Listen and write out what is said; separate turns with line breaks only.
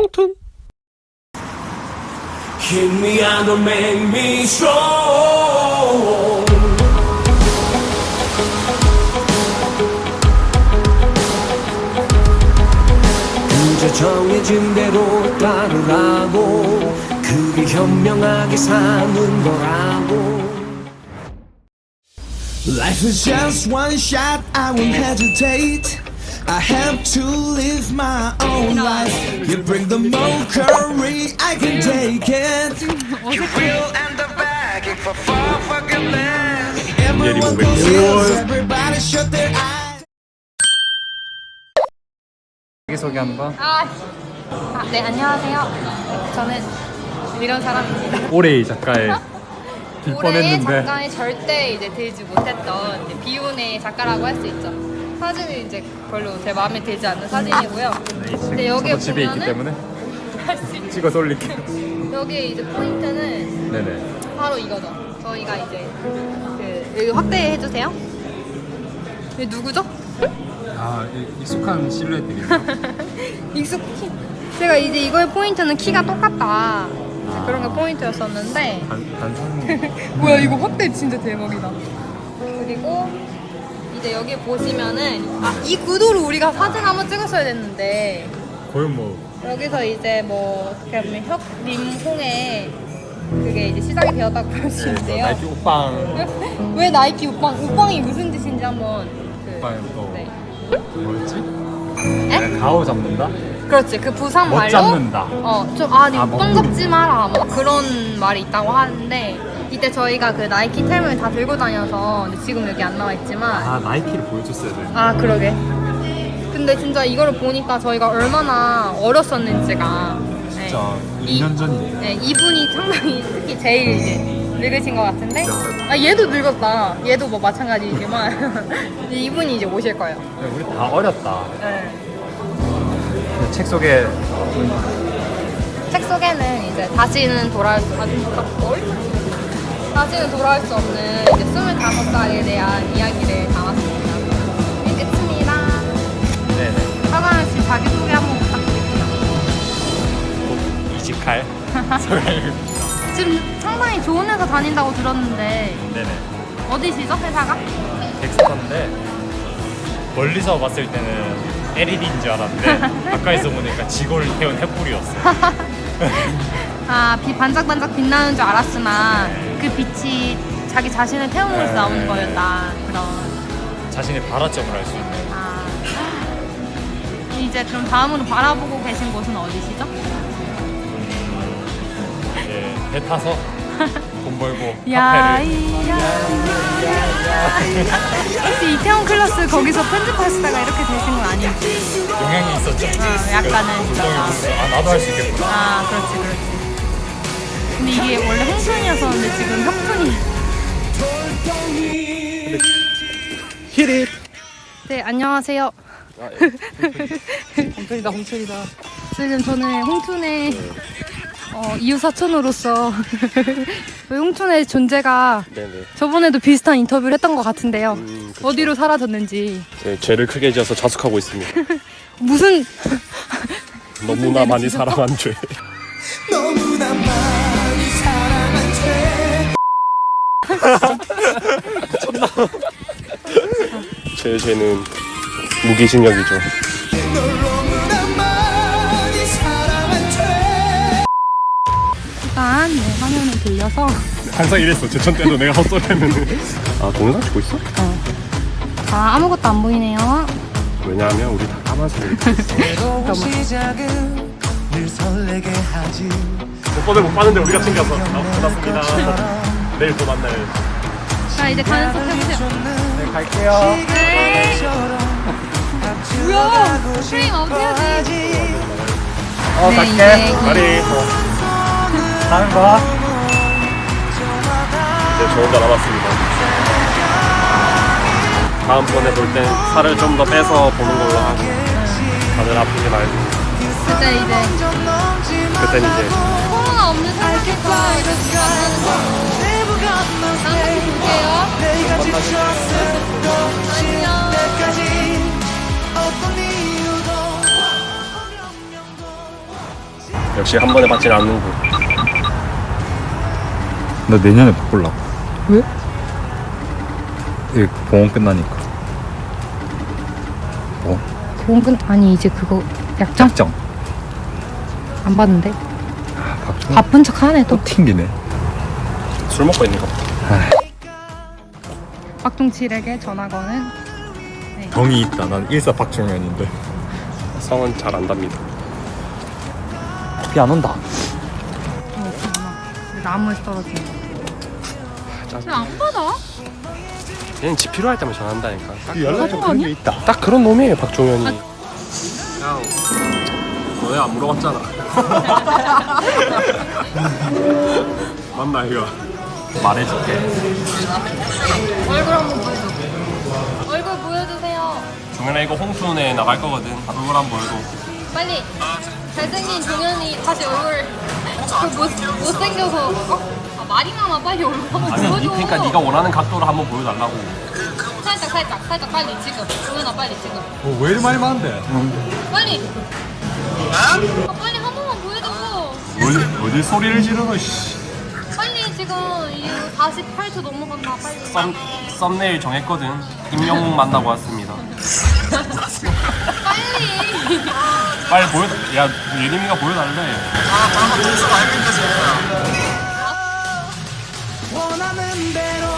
펑튼.
Hit me and don't make me strong. 그저 정해진 대로 따르라고, 그게 현명하게 사는 거라고. Life is just one shot, I won't hesitate. I have to live my own life. You bring the mockery, I can take it. You will end up begging for forgiveness. Everyone confused, everybody shut their eyes.
자기소개 한번.
네, 안녕하세요. 저는 이런 사람입니다.
올해의 작가에 들
올해의
뻔했는데
작가에 절대 이제 들지 못했던 이제 비운의 작가라고 할 수 있죠. 사진은 이제 별로 제 마음에 들지 않는 사진이고요. 근데 여기에
저도 집에 있기
보면은
때문에
할 수 있죠.
찍어서 올릴게요.
여기 이제 포인트는
네네.
바로 이거죠. 저희가 이제 여기 확대해 주세요. 이게 누구죠?
아, 익숙한 실루엣들이네요.
익숙히. 제가 이제 이거의 포인트는 키가 똑같다. 그런 게 포인트였었는데.
단상.
뭐야, 이거 확대 진짜 대박이다. 그리고 이제 여기 보시면은 이 구도로 우리가 사진 한번 찍었어야 됐는데,
거의 뭐
여기서 이제 뭐 어떻게 보면 혁림홍의 그게 이제 시작이 되었다고 볼 수 있는데요.
나이키 옷방.
왜 나이키 옷방이 무슨 뜻인지 한번
옷방에 또
네.
뭐였지?
에?
가오 잡는다?
그렇지, 그 부산
멋
말로
잡는다.
네 옷방 잡지 마라 뭐 그런 말이 있다고 하는데, 이때 저희가 그 나이키 템을 다 들고 다녀서 근데 지금 여기 안 나와 있지만
아, 나이키를 보여줬어야 돼.
그러게. 근데 진짜 이거를 보니까 저희가 얼마나 어렸었는지가.
진짜 2년 전이네요.
네, 이분이 상당히 특히 제일 이제 늙으신 것 같은데. 얘도 늙었다. 얘도 뭐 마찬가지이지만 이분이 이제 오실 거예요.
우리 다 어렸다.
네.
책 속에
책 속에는 이제 다시는 돌아올 수 없는 이제 25살에 대한 이야기를 담았습니다. 이제 끝입니다.
네네.
하나은 씨 자기소개 한번 부탁드릴게요.
이직할 소개를.
지금 상당히 좋은 회사 다닌다고 들었는데
네네.
어디시죠, 회사가?
덱스터인데 멀리서 봤을 때는 LED인 줄 알았는데 가까이서 보니까 지골 태운 횃불이었어.
빛 반짝반짝 빛나는 줄 알았으나 그 빛이 자기 자신을 태우면서 나오는 거였다. 그런.
자신의 발화점을 알 수 있는.
이제 그럼 다음으로 바라보고 계신 곳은 어디시죠?
이제 배 타서 돈 벌고
야,
카페를.
혹시 이태원 클래스 거기서 편집하시다가 이렇게 되신 건 아닌지?
영향이 있었죠.
약간은
구성이 보면서 나도 할 수 있겠구나.
그렇지. 근데 이게 원래 홍순이었었는데 지금 협순이.
히릿.
네, 안녕하세요.
홍천이다.
지금 저는 홍춘의 이웃사촌으로서 홍춘의 존재가
네네.
저번에도 비슷한 인터뷰를 했던 것 같은데요.
그쵸.
어디로 사라졌는지.
네, 죄를 크게 지어서 자숙하고 있습니다.
무슨
너무나 많이 사랑한 죄.
너무나 많이 사랑한 죄.
제 죄는 무기징역이죠.
널 너무나 많이 사랑한 죄.
일단 화면을 돌려서
항상 이랬어. 제천 때도 내가 헛소리 했는데. 아, 동영상 찍고 있어?
아무것도 안 보이네요.
왜냐하면 우리 다 까만색 이렇게 있어.
시작은 늘 설레게 하지.
오빠들 못 봤는데 우리가 챙겨서. 고맙습니다. 내일 또 만나요.
자, 이제 가는 척 해보세요.
네, 갈게요.
네. 뭐야? 프레임 아웃해야지.
갈게.
이제
말이
가는 거야.
이제 저 혼자 남았습니다. 다음번에 볼 땐 살을 좀 더 빼서 보는 걸로 하고, 다들 아프지 말고.
그때 이제
그땐 이제
코로나 없는 상태에서 만나는 거. 다음에 볼게요.
내가 지쳤을
안녕.
때까지 어떤 이유도
역시 한 번에 받지는 않는군.
나 내년에 바꾸려고.
왜?
이 보험 끝나니까. 뭐?
보험 아니 이제 그거 약정
약정.
안 받는데?
박종
바쁜 척 하네 또.
또 튕기네.
술 먹고 있는 거 봐.
박종칠에게 전화 거는
정이 있다. 난 일사 박종현인데.
성은 잘 안답니다.
비 안 온다.
나무에서 떨어지는 거.
짜증.
안 받아?
얘는 집 필요할 때만 전화한다니까.
연락 좀 그런 게 있다.
딱 그런 놈이에요, 박종현이. 그냥 너네 안 물어봤잖아. 맞나 이거? 말해줄게.
얼굴 한번 보여줘. 얼굴 보여주세요.
종현아 이거 홍순에 나갈 거거든. 얼굴 한번 보여줘.
빨리. 잘생긴 종현이 다시 얼굴. 못생겨서. 아, 말이나마 빨리 얼굴 한번
아니,
보여줘.
그러니까 네가 원하는 각도로 한번 보여달라고.
살짝 빨리 지금. 종현아 빨리 지금.
왜 이리 많이 많은데?
빨리. 빨리 한 번만 보여줘.
어디 소리를 지르노 씨.
빨리 지금 이 48초 넘어간다. 빨리.
썸네일 정했거든. 임영웅 만나고 왔습니다.
빨리.
빨리 보여. 야 예림이가 보여달래.
원하는 대로